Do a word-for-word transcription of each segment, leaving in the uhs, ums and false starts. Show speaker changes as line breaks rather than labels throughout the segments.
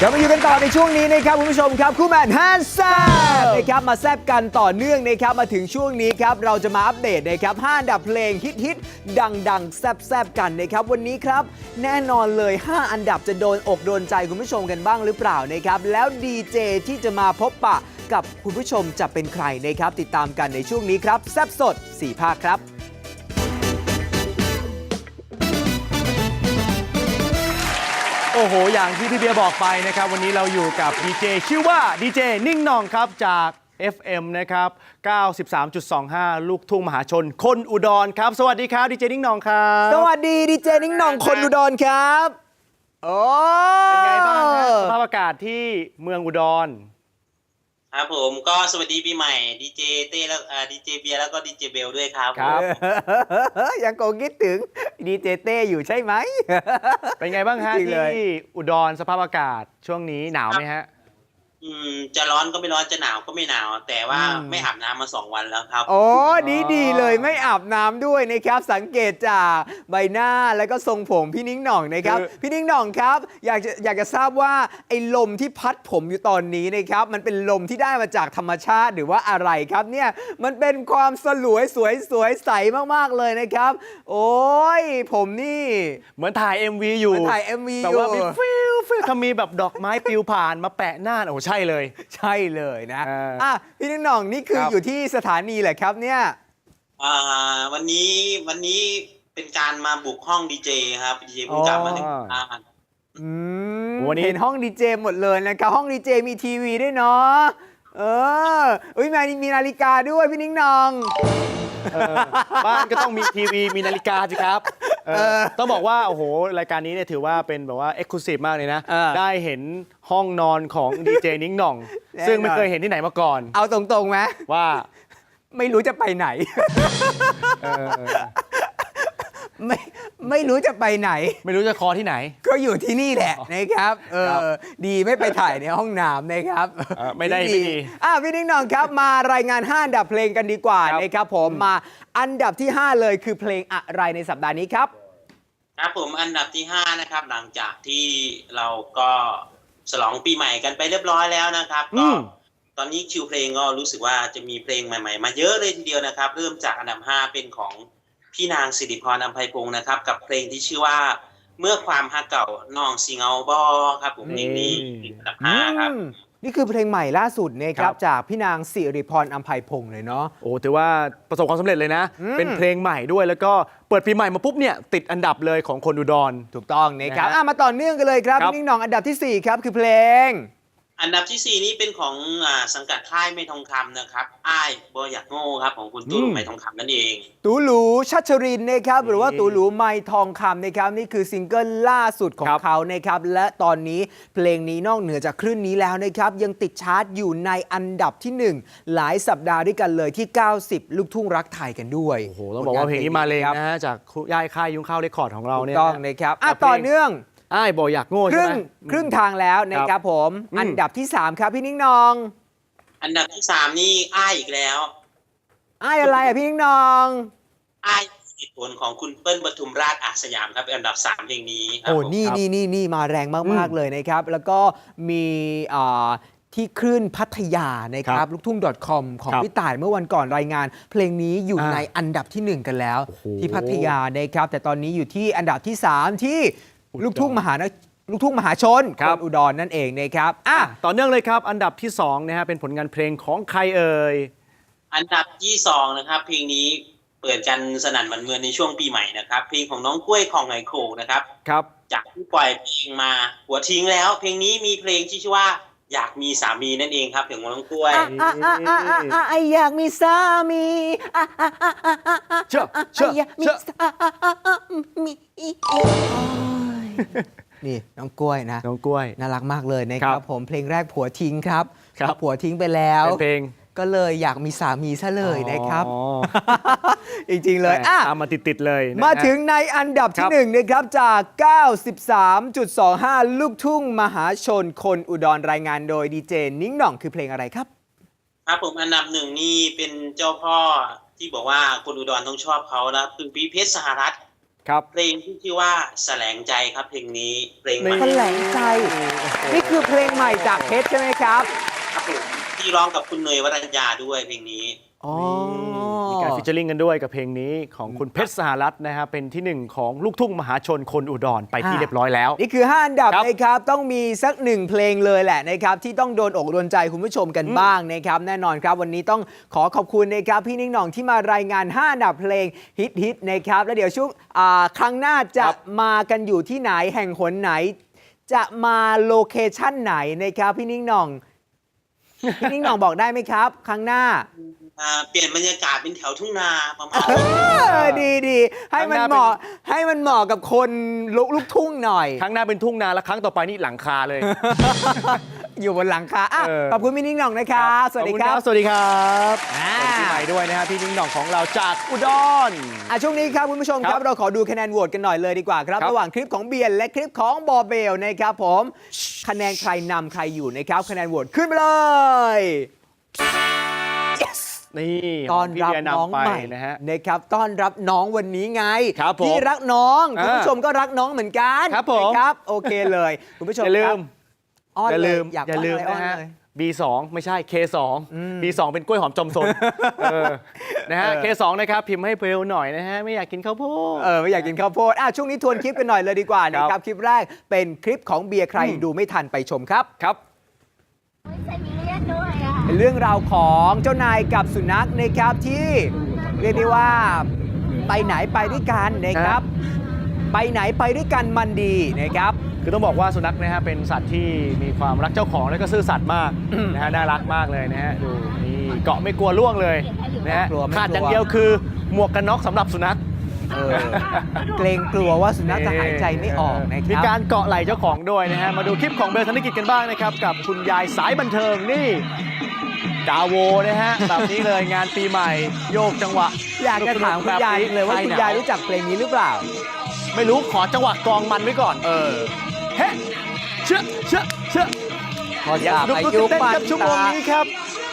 กลับมาอยู่กันต่อในช่วงนี้นะครับคุณผู้ชมครับคู่แมนฮันแซบนะครับมาแซบกันต่อเนื่องนะครับมาถึงช่วงนี้ครับเราจะมาอัปเดตนะครับห้าอันดับเพลงฮิตฮิตดังดังแซบแซบกันนะครับวันนี้ครับแน่นอนเลยห้าอันดับจะโดนอกโดนใจคุณผู้ชมกันบ้างหรือเปล่านะครับแล้วดีเจที่จะมาพบปะกับคุณผู้ชมจะเป็นใครนะครับติดตามกันในช่วงนี้ครับแซบสดสี่ภาคครับ
โอ้โหอย่างที่พี่เบียร์บอกไปนะครับวันนี้เราอยู่กับดีเจชื่อว่าดีเจนิ่งหน่องครับจาก เอฟ เอ็ม นะครับ เก้าสิบสามจุดสองห้า ลูกทุ่งมหาชนคนอุดรครับสวัสดีครับดีเจนิ่งหน่องครับ
สวัสดีดีเจนิ่งหน่องคนอุดรครับโอ้
เป็นไงบ้างครับสภาพอากาศที่เมืองอุดร
ครับผมก็สวัสดีปีใหม่ดีเจเต้แล้วดีเจเบียร์แล้วก็ดีเจเบลด้วยครับ
ครับ
ยังคงคิดถึงดีเจเต้อยู่ใช่ไหม
เป็นไงบ้างฮะที่อุดรสภาพอากาศช่วงนี้หนาวไหมฮะ
อืมจะร้อนก็ไม่ร้อนจะหนาวก็ไม่หนาวแต่ว่าไม่อาบน้ำมาสองวันแล้วครับ
โอ้ดีดีเลยไม่อาบน้ำด้วยนะครับสังเกตจากใบหน้าแล้วก็ทรงผมพี่นิ้งหน่องนะครับพี่นิ้งหน่องครับอยากจะอยากจะทราบว่าไอ้ลมที่พัดผมอยู่ตอนนี้นะครับมันเป็นลมที่ได้มาจากธรรมชาติหรือว่าอะไรครับเนี่ยมันเป็นความสลวยสวยสวยใสมากๆเลยนะครับโอ้ยผมนี่
เหมือนถ่าย เอ็ม วี อยู่
เหมือนถ่าย เอ็ม วี
แต่ว่ามีฟิลฟิลเขามีแบบดอกไม้ปลิวผ่านมาแปะหน้าโอ้ใช่เลย
ใช่เลยนะอ่ะพี่นิ้งหน่องนี่คืออยู่ที่สถานีแหละครับเนี่ย
อ่าวันนี้วันนี้เป็นการมาบุกห้องดีเจครับดีเจเพิ่งกลับมาหนึ่งอ่า
อืมวันนี้เห็นห้องดีเจหมดเลยนะครับห้องดีเจมีทีวีด้วยเนาะเอออุ้ยมีมีนาฬิกาด้วยพี่นิ้งหน่อง
บ้านก็ต้องมีทีวีมีนาฬิกาสิครับต้องบอกว่าโอ้โหรายการนี้เนี่ยถือว่าเป็นแบบว่าเอ็กซ์คลูซีฟมากเลยนะได้เห็นห้องนอนของดีเจนิ้งหน่องซึ่งไม่เคยเห็นที่ไหนมาก่อน
เอาตรงๆไหม
ว่า
ไม่รู้จะไปไหนไม่ไม่รู้จะไปไหน
ไม่รู้จะคอที่ไหน
ก็อยู่ที่นี่แหละนะครับเออดีไม่ไปถ่ายในห้องน้ำนะครับ
ไม่ได้ไม่ดี
อ่ะพี่นิ้งหน่องครับมารายงานห้าอันดับเพลงกันดีกว่านะครับผมมาอันดับที่ห้าเลยคือเพลงอะไรในสัปดาห์นี้ครับ
ครับผมอันดับที่ห้านะครับหลังจากที่เราก็ฉลองปีใหม่กันไปเรียบร้อยแล้วนะครับก็ตอนนี้คิวเพลงก็รู้สึกว่าจะมีเพลงใหม่ๆมาเยอะเลยทีเดียวนะครับเริ่มจากอันดับห้าเป็นของพี่นางสิริพร อำไพพงศ์นะครับกับเพลงที่ชื่อว่าเมื่อความฮักเก่าน้องสิเงาบอครับผมเพลงนี้อันดับห้าครับ
นี่คือเพลงใหม่ล่าสุดนะครับจากพี่นางสิริพร อำไพพงศ์เลยเนาะ
โอ้ถือว่าประสบความสำเร็จเลยนะเป็นเพลงใหม่ด้วยแล้วก็เปิดปีใหม่มาปุ๊บเนี่ยติดอันดับเลยของคนอุดร
ถูกต้องนะครับมาต่อเนื่องกันเลยครับพี่นิ้งหน่องอันดับที่สี่ครับคือเพลง
อันดับที่สี่นี้เป็นของอ่าสังกัดค่ายไม่ทองคำนะครับอ้ายบอยากโง่ครับของคุณตูหลูไม่ทองคำนั่นเอง
ตูหลูชัชรินนะครับหรือว่าตูหลูไม่ทองคำนะครับนี่คือซิงเกิลล่าสุดของเขานะครับและตอนนี้เพลงนี้นอกเหนือจากคลื่นนี้แล้วนะครับยังติดชาร์ตอยู่ในอันดับที่หนึ่งหลายสัปดาห์ด้วยกันเลยที่เก้าสิบลูกทุ่งรักไทยกันด้วย
โอ้โหต้องบอกว่าเพลงนี้มาเลยนะฮะจากย่ายค่ายยุ้งข้าวเรคคอร์ดของเราเนี่ย
ต้องนะครับอ่ะต่อเนื่อง
อ้ายบอกอยากโง่ใช่ไหม
ครึ่งทางแล้วนะครับผมอันดับที่สามครับพี่นิ้งหน่อง
อันดับที่สามนี่อ้ายอีกแล้ว
อ้ายอะไรอ่ะพี่นิ้งหน่อง
อ้ายเหตุผลของคุณเปิ้ลปทุมราชอาสยามครับเป็นอันดับสามเพลงนี้
โอ้นี่นี่นี่นี่มาแรงมากๆเลยนะครับแล้วก็มีที่คลื่นพัทยานะครับลูกทุ่ง .com ของพี่ต่ายเมื่อวันก่อนรายงานเพลงนี้อยู่ในอันดับที่หนึ่งกันแล้วที่พัทยานะครับแต่ตอนนี้อยู่ที่อันดับที่สามที่ลูกทุ่งมหาลูกทุ่งมหาชนคนอุดรนั่นเองนะครับอ่ะ
ต่อเนื่องเลยครับอันดับที่สองนะฮะเป็นผลงานเพลงของใครเอ่ย
อันดับที่สองนะครับเพลงนี้เปิดกันสนั่นหวั่นเมืองในช่วงปีใหม่นะครับเพลงของน้องกล้วยของไหโขงนะครับ
ครับ
จากที่ปล่อยเพลงมาหัวทิ้งแล้วเพลงนี้มีเพลงที่ชื่อว่าอยากมีสามีนั่นเองครับเพลงของน้องกล้วย
อยากมีสามี
เชื่อเชื่อ
อยากมีสามีนี่น้องกล้วยนะ
น้องกล้วย
น่ารักมากเลยนะครับผมเพลงแรกผัวทิ้งครับผัวทิ้งไปแล้ว
เพลง
ก็เลยอยากมีสามีซะเลยนะครับจริงๆเลย
อ่ะมาติดๆเลย
มาถึงในอันดับที่หนึ่งนะครับจาก เก้าสิบสามจุดสองห้า ลูกทุ่งมหาชนคนอุดรรายงานโดยดีเจนิ้งหน่องคือเพลงอะไรครับ
ครับผมอันดับหนึ่งนี่เป็นเจ้าพ่อที่บอกว่าคนอุดรต้องชอบเขานะคือพี่เพชรสหรัฐ
ครับ
เพลงที่ชื่อว่าแสลงใจครับเพลงนี้เพลงใหม่
แถลงใจ นี่คือเพลงใหม่จากเพชรใช่ไหมครับ
ครับผมที่ร้องกับคุณเนยวรัญญาด้วยเพลงนี้
อ๋อ
มีการฟิชเชอร์ลิงกันด้วยกับเพลงนี้ของคุณเพชรสหรัฐนะฮะเป็นที่หนึ่งของลูกทุ่งมหาชนคนอุดรไปที่
อ่า
เรียบร้อยแล้ว
นี่คือห้าอันดับ
ครับ
นะครับต้องมีสักหนึ่งเพลงเลยแหละนะครับที่ต้องโดนอกโดนใจคุณผู้ชมกันบ้างนะครับแน่นอนครับวันนี้ต้องขอขอบคุณนะครับพี่นิ่งหน่องที่มารายงานห้าอันดับเพลงฮิตฮิตๆนะครับแล้วเดี๋ยวช่วงอ่าครั้งหน้าจะ
ครับ
มากันอยู่ที่ไหนแห่งหนไหน จะมาโลเคชั่นไหนนะครับพี่นิ่งหน่อง พี่นิ่งหน่องบอกได้ไหมครับ ครั้งหน้า
อ่าเปลี่ยนบรรยากาศเป็นแถวทุ่งนาประมาณ
เออดีดีให้มันเหมาะให้มันเหมาะกับคนลุกลูกทุ่งหน่อย
ครั้งหน้าเป็นทุ่งนาและครั้งต่อไปนี่หลังคาเลย
อยู่บนหลังคาอ่ะ
เออ
ขอบคุณพี่นิ่งหน่องนะครับสวัสดีครับ
ขอณสวัสดีครับ
อ่า
สวัสดีปีใหม่ด้วยนะฮะพี่นิ่งหน่องของเราจากอุดร
อ่ะช่วงนี้ครับคุณผู้ชมค
ครั
รับบ เราขอดูคะแนนโหวตกันหน่อยเลยดีกว่าครับ
ครับ
ระหว่างคลิปของเบียนและคลิปของบอเบลนะครับผมคะแนนใครนำใครอยู่นะครับคะแนนโหวตขึ้นมาเลย yes
นี่
ต้อน
พี่
รับ
เบียร์
น้อง
นำไป
ใหม่
นะฮะ
นะครับต้อนรับน้องวันนี้ไง
ครับผม
พี่รักน้องคุณ
อ่า
ผู้ชมก็รักน้องเหมือนกัน
ครับผม
นะครับโอเคเลยคุณผู้ชม
อย่าลื
ครั
ม
บอ้อน
อย่า
เล
ลื
ย
ม
อยาก
อย่าลืม
อ้
นะฮะ
เลย
บี สอง ไม่ใช่ เค สอง บี สอง เป็นกล้วยหอมจอมซนเออนะฮะ
เออ
เค สอง นะครับพิมพ์ให้เร็วหน่อยนะฮะไม่อยากกินข้าวโพด
เออไม่อยากกินข้าวโพดอ่ะช่วงนี้ทวนคลิปกันหน่อยเลยดีกว่านะค
ครั
รับบ คลิปแรกเป็นคลิปของเบียร์ใคร
อืม
ดูไม่ทันไปชมครับ
ครับ
ใส่มีเลือดด้วยอ่ะ
เป็นเรื่องราวของเจ้านายกับสุนัขนะครับที่เรียกได้ว่าไปไหนไปด้วยกันนะครับ ไปไหนไปด้วยกันมันดีนะครับ
คือต้องบอกว่าสุนัขนะฮะเป็นสัตว์ที่มีความรักเจ้าของและก็ซื่อสัตย์มาก
อืม
นะฮะน่ารักมากเลยนะฮะดูนี่เกาะไม่กลัวล่วงเลยนะฮะ
กลัวไม่กลัว
ขาดอย่างเดียวคือหมวกกันน็อกสำหรับสุนัข
เออเกรงกลัวว่าสุนัขจะหายใจไม่ออกนะค
มี
รับ
การเกาะไหล่เจ้าของด้วยนะฮะมาดูคลิปของเบลธนกิจกันบ้างนะครับกับคุณยายสายบันเทิงนี่ดาโวนะฮะแบบนี้เลยงานปีใหม่โยกจังหวะ
อยากจะถามคุณยายเลยว่า
คล
คุณ
หน
ยายรู้จักเพลงนี้หรือเปล่า
ไม่รู้ขอจังหวะกลองมันไว้ก่อนเออเฮ้เชื่อเชื่อเชื่อ
พอ
อยาก
จาก
ดู
อา
ดู
ยุ
เต้น
ปัน
กับชั่วโมง
ตา
นี้ครับ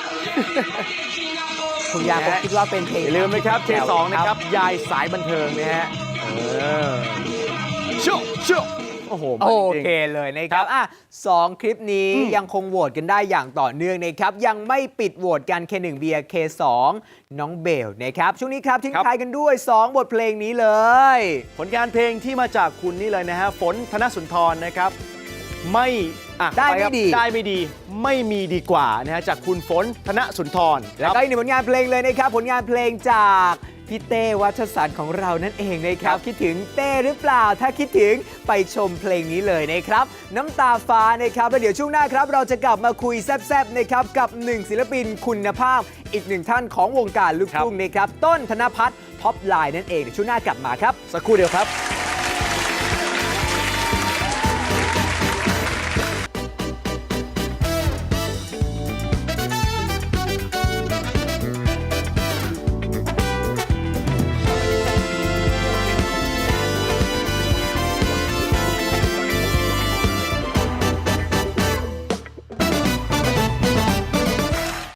คุณยายคงคิดว่าเป็นเพลง
อย่าลืมนะครับ เค สอง
แถว
นะครับ ยายสายบันเทิงนะฮะเออชุบชุบโอ้โห
โอ
จริง
เคเลยนะครับอ่ะสองคลิปนี้
อืม
ยังคงโหวตกันได้อย่างต่อเนื่องนะครับ ยังไม่ปิดโหวตกัน เค หนึ่ง เบียร์ เค สอง น้องเบลนะครับ ช่วงนี้ครับทิ้ง
ครับ
ท้ายกันด้วย สอง บทเพลงนี้เลย
ผลงานเพลงที่มาจากคุณนี่เลยนะฮะฝนธนสุนทรนะครับ ไม่อ่ะ
ได้
ปครับ
ไม่ดี
ได้ไม่ดีไม่มีดีกว่านะฮะจากคุณฝนธนสุนทร
แล้วก็อีกหนึ่งผลงานเพลงเลยนะครับ ผลงานเพลงจากพี่เต้วัชสันต์ของเรานั่นเองนะครับ คิดถึงเต้หรือเปล่า ถ้าคิดถึงไปชมเพลงนี้เลยนะครับ น้ำตาฟ้านะครับแล้วเดี๋ยวช่วงหน้าครับ เราจะกลับมาคุยแซบๆนะครับกับหนึ่งศิลปินคุณภาพ อีกหนึ่งท่านของวงการลูกทุ่งนะครับต้นธนพัฒน์พ็อปไลน์นั่นเองเดี๋ยวช่วงหน้ากลับมาครับ
สักครู่เดียวครับ